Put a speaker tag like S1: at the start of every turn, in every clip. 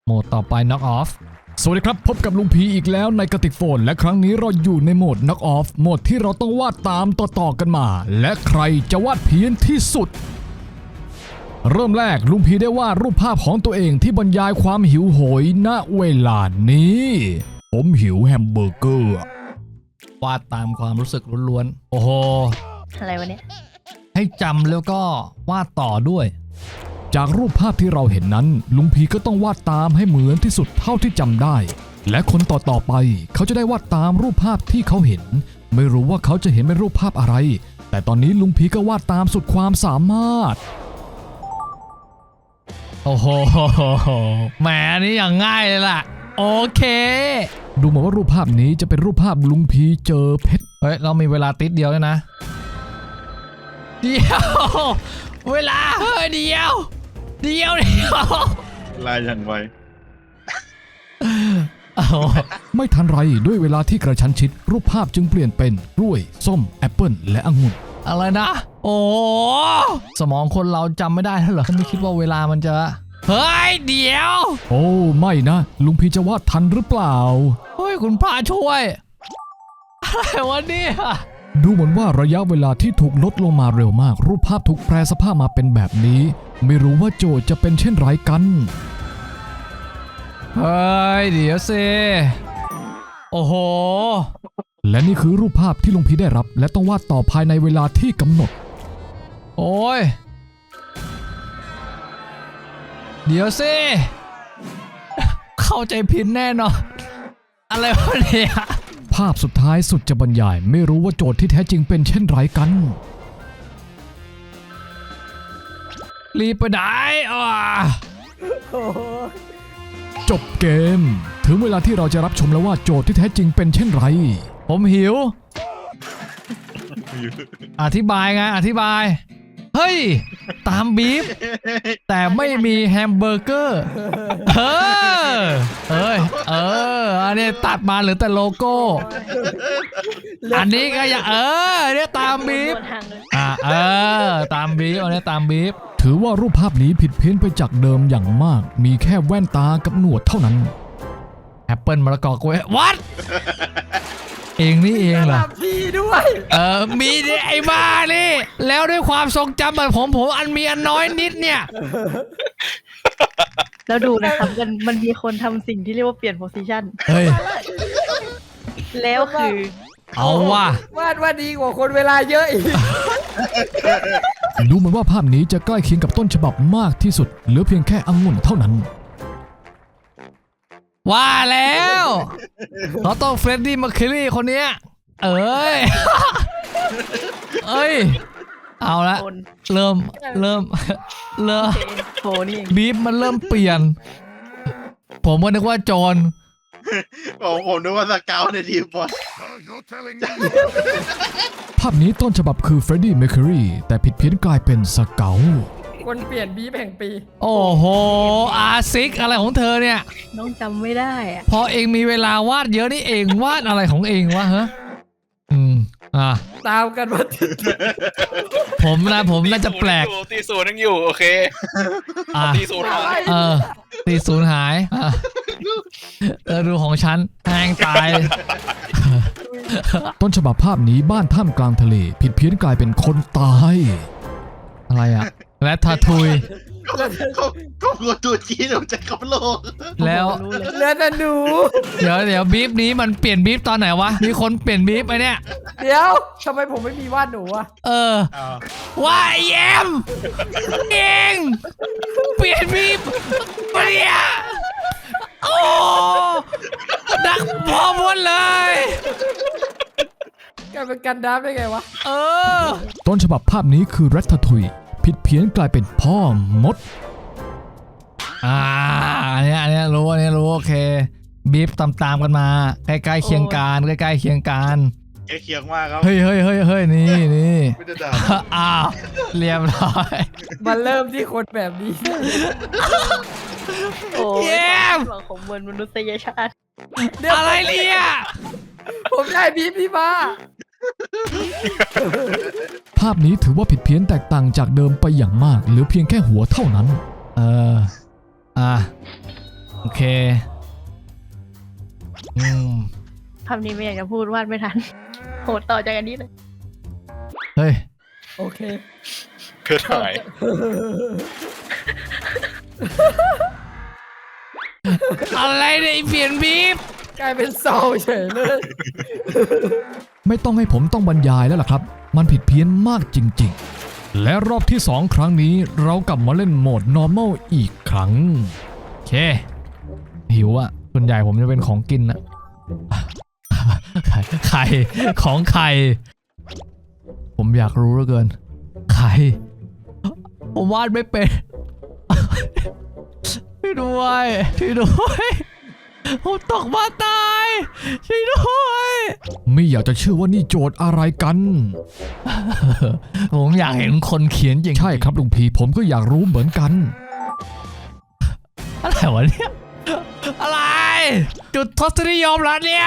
S1: โหมดต่อไป knock off สวัสดีครับพบกับลุงพีอีกแล้วในกระติกโฟนและครั้งนี้เราอยู่ในโหมด knock off โหมดที่เราต้องวาดตามต่อกันมาและใครจะวาดเพี้ยนที่สุดเริ่มแรกลุงพีได้วาดรูปภาพของตัวเองที่บรรยายความหิวโหยณเวลานี้ผมหิวแฮมเบอร์เกอร์วาดตามความรู้สึกล้วนๆโอ้โห
S2: อะไรวะเนี่ย
S1: ให้จำแล้วก็วาดต่อด้วยจากรูปภาพที่เราเห็นนั้นลุงพีก็ต้องวาดตามให้เหมือนที่สุดเท่าที่จำได้และคนต่อไปเขาจะได้วาดตามรูปภาพที่เขาเห็นไม่รู้ว่าเขาจะเห็นเป็นรูปภาพอะไรแต่ตอนนี้ลุงพีก็วาดตามสุดความสามารถโอ้โหแหมอันนี้อย่างง่ายเลยล่ะโอเคดูเหมือนว่ารูปภาพนี้จะเป็นรูปภาพลุงพีเจอเพชรเฮ้ยเรามีเวลาติดเดียวเลยนะเดียวเวลาเฮ้ยเดียว
S3: ลายอย่างไว
S1: ไม่ทันไรด้วยเวลาที่กระชั้นชิดรูปภาพจึงเปลี่ยนเป็นกล้วยส้มแอปเปิ้ลและองุ่นอะไรนะโอ้สมองคนเราจำไม่ได้เหรอไม่คิดว่าเวลามันจะเฮ้ยเดี๋ยวโอ้ไม่นะลุงพีจะวาดทันหรือเปล่าเฮ้ยคุณพระช่วยอะไรวะเนี่ยดูเหมือนว่าระยะเวลาที่ถูกลดลงมาเร็วมากรูปภาพถูกแปรสภาพมาเป็นแบบนี้ไม่รู้ว่าโจทย์จะเป็นเช่นไรกันเฮ้ยเดี๋ยวสิโอ้โหและนี่คือรูปภาพที่ลุงพีได้รับและต้องวาดต่อภายในเวลาที่กำหนดโอ้ยเดี๋ยวสิเข้าใจผิดแน่นอนอะไรวะเนี่ยภาพสุดท้ายสุดจะบรรยายไม่รู้ว่าโจทย์ที่แท้จริงเป็นเช่นไรกันรีบไปไหนจบเกมถึงเวลาที่เราจะรับชมแล้วว่าโจทย์ที่แท้จริงเป็นเช่นไรผมหิวอธิบายไงอธิบายเฮ้ยตามบีฟแต่ไม่มีแฮมเบอร์เกอร์อันนี้ตัดมาเหลือแต่โลโก้อันนี้ก็อย่าเนี่ยตามบีฟตามบีฟอันนี้ตามบีฟถือว่ารูปภาพนี้ผิดเพี้ยนไปจากเดิมอย่างมากมีแค่แว่นตากับหนวดเท่านั้นแอปเปิลมะละกอกล้วยวัดเองนี่เองเหรอพี่ด้วยมีไอ้บ้านี่แล้วด้วยความทรงจำแบบผมอันมีอันน้อยนิดเนี่ย
S2: แล้วดูนะครับมันมีคนทำสิ่งที่เรียกว่าเปลี่ยนโพสิชัน
S1: เฮ้ย
S2: แล้วคือ
S1: เอาว่ะ
S4: ว่าดีกว่าคนเวลาเยอะอีก
S1: ดูเหมือนว่าภาพนี้จะใกล้เคียงกับต้นฉบับมากที่สุดเหลือเพียงแค่องุ่นเท่านั้นว่าแล้วเขาต้องเฟรดดี้มาคิลี่คนนี้เอ้ยเอาละเริ่ม
S2: โหนี่
S1: บีฟมันเริ่มเปลี่ยนผมก็นึกว่าโจร
S3: ผมนึกว่าสเกลในทีมบอล
S1: ภาพนี้ต้นฉบับคือเฟรดดี้เมอร์คิวรีแต่ผิดเพี้ยนกลายเป็นสเกล
S4: คนเปลี่ยนบีฟแห่งปี
S1: โอ้โหอาซิกอะไรของเธอเนี่ย
S2: น้องจำไม่ได้อะ
S1: พอเองมีเวลาวาดเยอะนี่เองวาดอะไรของเองวะฮะ
S4: ตามกันมา
S1: ผมน่าจะแปลก
S3: ตีศูนย์ยังอยู่โอเคตีศูนย์หาย
S1: ตีศูนย์หายดูของฉันแห้งตายต้นฉบับภาพนี้บ้านท่ามกลางทะเลผิดเพี้ยนกลายเป็นคนตายอะไรอะและทาทุย
S3: ก็ตัวจีนออกจากโลก
S1: แล้ว
S4: เลือดหนู
S1: เดี๋ยวบีฟนี้มันเปลี่ยนบีฟตอนไหนวะมีคนเปลี่ยนบีฟไอเนี่ย
S4: เดี๋ยวทำไมผมไม่มีวาดหนูอะ
S1: ว่าแยมเองเปลี่ยนบีฟเนี่ยโอ้ดักพอหมดเลย
S4: กลายเป็นกันดั้มได้ไงวะ
S1: ต้นฉบับภาพนี้คือรัตทุยผิดเพี้ยนกลายเป็นพ่อมดอันนี้รู้โอเคบีฟตามกันมาใกล้ๆเคียงกันใกล้ๆเคียงกัน
S3: ใกล้เคียงมากครับ
S1: เฮ้ยนี่อ้าวเรียบร้อย
S4: มาเริ่มที่คนแบบนี้
S2: โอ้ยของมวลมนุษยชาติ
S1: อะไรเนี่ย
S4: ผมได้บีฟพี่มา
S1: ภาพนี้ถือว่าผิดเพี้ยนแตกต่างจากเดิมไปอย่างมากเหลือเพียงแค่หัวเท่านั้นโอเค
S2: คำนี้ไม่อยากจะพูดวาดไม่ทัน โหดต่อจากอันนี้เลย
S1: เฮ้ย
S4: โอเค
S3: เพื่อถ่าย
S1: อะไรเนี่ยเปลี่ยนบีบ
S4: กลายเป็นเศร้าเฉยเลย
S1: ไม่ต้องให้ผมต้องบรรยายแล้วล่ะครับ มันผิดเพี้ยนมากจริงๆ และรอบที่ 2 ครั้งนี้เรากลับมาเล่นโหมด normal อีกครั้งโอเคหิวอะส่วนใหญ่ผมจะเป็นของกินนะ ไข่ของไข่ผมอยากรู้เหลือเกินไข่ผมวาดไม่เป็น ช่วยด้วยช่วยด้วยผมตกมาตายช่วยด้วยไม่อยากจะเชื่อว่านี่โจทย์อะไรกัน ผมอยากเห็นคนเขียนจริงใช่ครับลุงพีผมก็อยากรู้เหมือนกัน อะไรวะเนี่ยอะไรจุดทศนิยมแล้วเนี่ย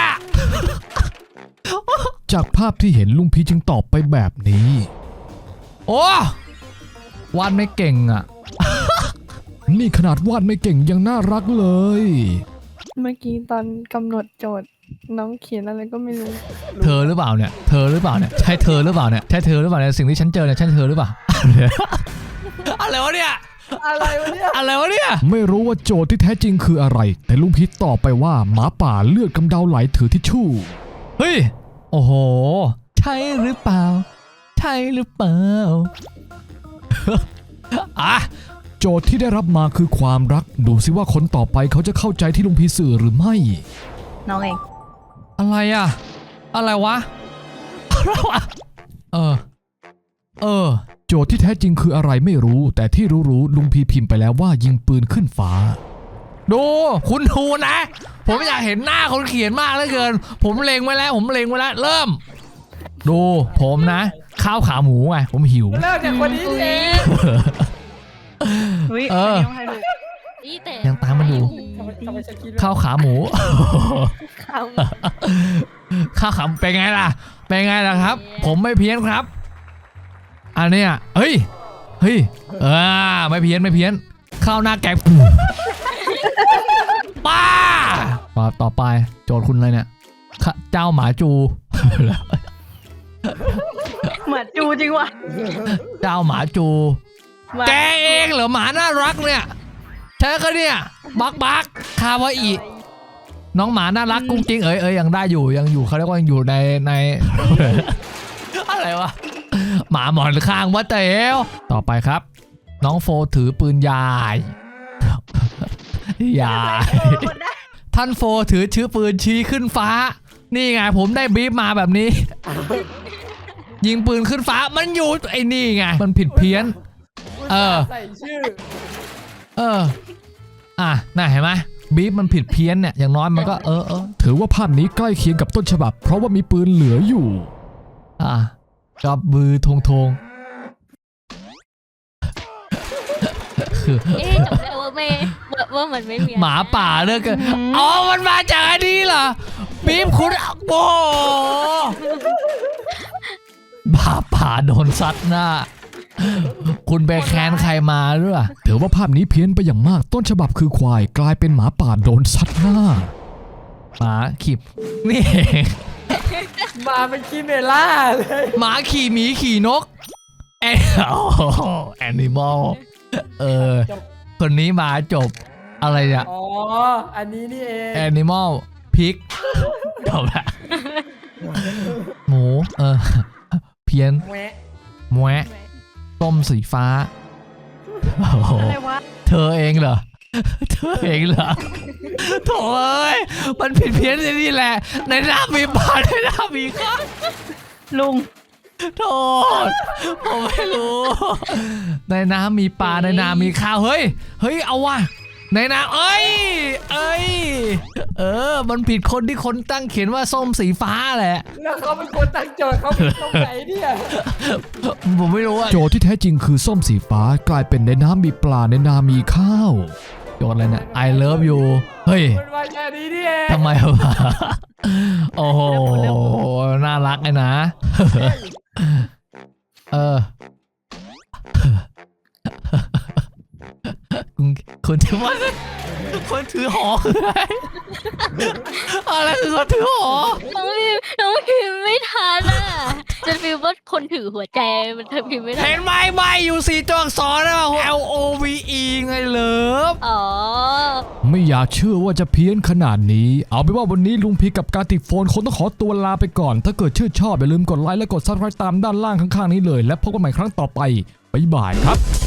S1: จากภาพที่เห็นลุงพีจึงตอบไปแบบนี้โอ้วาดไม่เก่งอ่ะ นี่ขนาดวาดไม่เก่งยังน่ารักเลย
S2: เมื่อกี้ตอนกำหนดโจทย์น้องเขียนอะไรก็ไม่รู้
S1: เธอหรือเปล่าเนี่ยเธอหรือเปล่าเนี่ยใช่เธอหรือเปล่าเนี่ยใช่เธอหรือเปล่าเนี่ยสิ่งที่ฉันเจอเนี่ยใช่เธอหรือเปล่า อะไรวะเนี่ย
S4: อะไรวะเนี่ย
S1: อะไรวะเนี่ยไม่รู้ว่าโจทย์ที่แท้จริงคืออะไรแต่ลุงพีตอบไปว่าหมาป่าเลือดกำเดาไหลถือทิชชู่เฮ้ยโอ้โหใช่หรือเปล่าใช่หรือเปล่า อ่ะโจทย์ที่ได้รับมาคือความรักดูสิว่าคนต่อไปเขาจะเข้าใจที่ลุงพีสื่อหรือไม่
S2: น้องเอง
S1: อะไรอะอะไรวะอะไรวะโจทย์ที่แท้จริงคืออะไรไม่รู้แต่ที่รู้ลุงพีพิมพ์ไปแล้วว่ายิงปืนขึ้นฟ้าดูคุณทูนะ ผมอยากเห็นหน้าคนเขียนมากเหลือเกินผมเล็งไว้แล้วเริ่มดูผมนะข้าวขาหมูไงผมหิว
S4: เริ่มจากคนนี้เอง
S2: อุ้ย
S1: เออ
S2: นนี้ต้องให้ดู
S5: นี่แต่
S1: ยังตามมาดู
S4: ทำไมฉันคิด
S1: ข้าวขาหมู
S2: ข้าว
S1: ข้าวขาเป็นไงล่ะเป็นไงล่ะครับ ผมไม่เพี้ยนครับอันเนี้ยเฮ้ยไม่เพี้ยนข้าวหน้าแกงป้าต่อไปโจทย์คุณอะไรเนี่ยเจ้าหมาจู
S2: เหมือนจูจริงว่ะ
S1: เจ้าหมาจู แกเองเหรอหมาน่ารักเนี่ยใช่ก็เนี่ยบักคาวาอิน้องหมาน่ารักกุ้งกิ้งยังได้อยู่ยังอยู่เขาเรียกว่ายังอยู่ใน อะไรวะหมาหมอนข้างวัดเต๋วต่อไปครับ น้องโฟถือปืนยาย ท่านโฟถือปืนชี้ขึ้นฟ้านี่ไงผมได้บีบมาแบบนี้ ยิงปืนขึ้นฟ้ามันอยู่ไอ้นี่ไงมันผิดเพี้ยน
S4: ใส่ชื่อ
S1: น่าเห็นไหมบีบมันผิดเพี้ยนเนี่ยอย่างน้อยมันก็ถือว่าภาพนี้ใกล้เคียงกับต้นฉบับเพราะว่ามีปืนเหลืออยู่กับมือทงคือ
S5: จำได้ว่ามันไม่มี
S1: หมาป่าเลิกกันมันมาจากอันนี้เหรอบีบคุณโอ้หมาป่าโดนซัดหน้าคุณไปแค้นใครมาหรือเปล่าถือว่าภาพนี้เพี้ยนไปอย่างมากต้นฉบับคือควายกลายเป็นหมาป่าโดนซัดหน้าหมาขีบนี่เอง
S4: มาเป็นคิเมล่าเลย
S1: หมาขี่หมีขี่นกแอนิมอลคนนี้มาจบอะไรเนี่ย
S4: อ๋ออันนี้นี่เอง
S1: แอนิมอลพิกจบละหมูเพี้ยนแหวะต้มสีฟ้า
S2: อะไรวะ
S1: เธอเองเหรอโถ่เอ้ยมันผิดเพี้ยนที่นี่แหละในหน้ามีปลาในหน้ามีข้าว
S2: ลุง
S1: โทษผมไม่รู้ในน้ำมีปลาในน้ำมีข้าวเฮ้ยเอาว่ะในน้ำมันผิดคนที่คนตั้งเขียนว่าส้มสีฟ้าแหละ
S4: แล้วเขาเป็นคนตั้งโจทย์เขาเป็นตรงไหนเนี่ย
S1: ผมไม่รู้อะโจทย์ที่แท้จริงคือส้มสีฟ้ากลายเป็นในน้ำมีปลาในนามีข้าวโจทย์อะไรเนี่ย I love you เฮ้ย
S4: มันมาแค่นี้นี่เอง
S1: ทำไมวะโอ้โหน่ารักเลยนะคนถือว่าคนถือหอคืออะไรอะไรคือคนถือหอ
S5: น้องพิมพ์ไม่ทันอ่ะจะพิมพ์ว่าคนถือหัวใจมันเธอพิมพ์ไม่ทั
S1: เห็
S5: น
S1: นไหมไม่อยู่4 ตัวอักษรนะ LOVE ไงเลิฟ
S5: อ๋อ
S1: ไม่อยากเชื่อว่าจะเพี้ยนขนาดนี้เอาเป็นว่าวันนี้ลุงพีกับการติดโฟนคงต้องขอตัวลาไปก่อนถ้าเกิดชื่นชอบอย่าลืมกดไลค์และกด Subscribe ตามด้านล่างข้างๆนี้เลยและพบกันใหม่ครั้งต่อไปบ๊ายบายครับ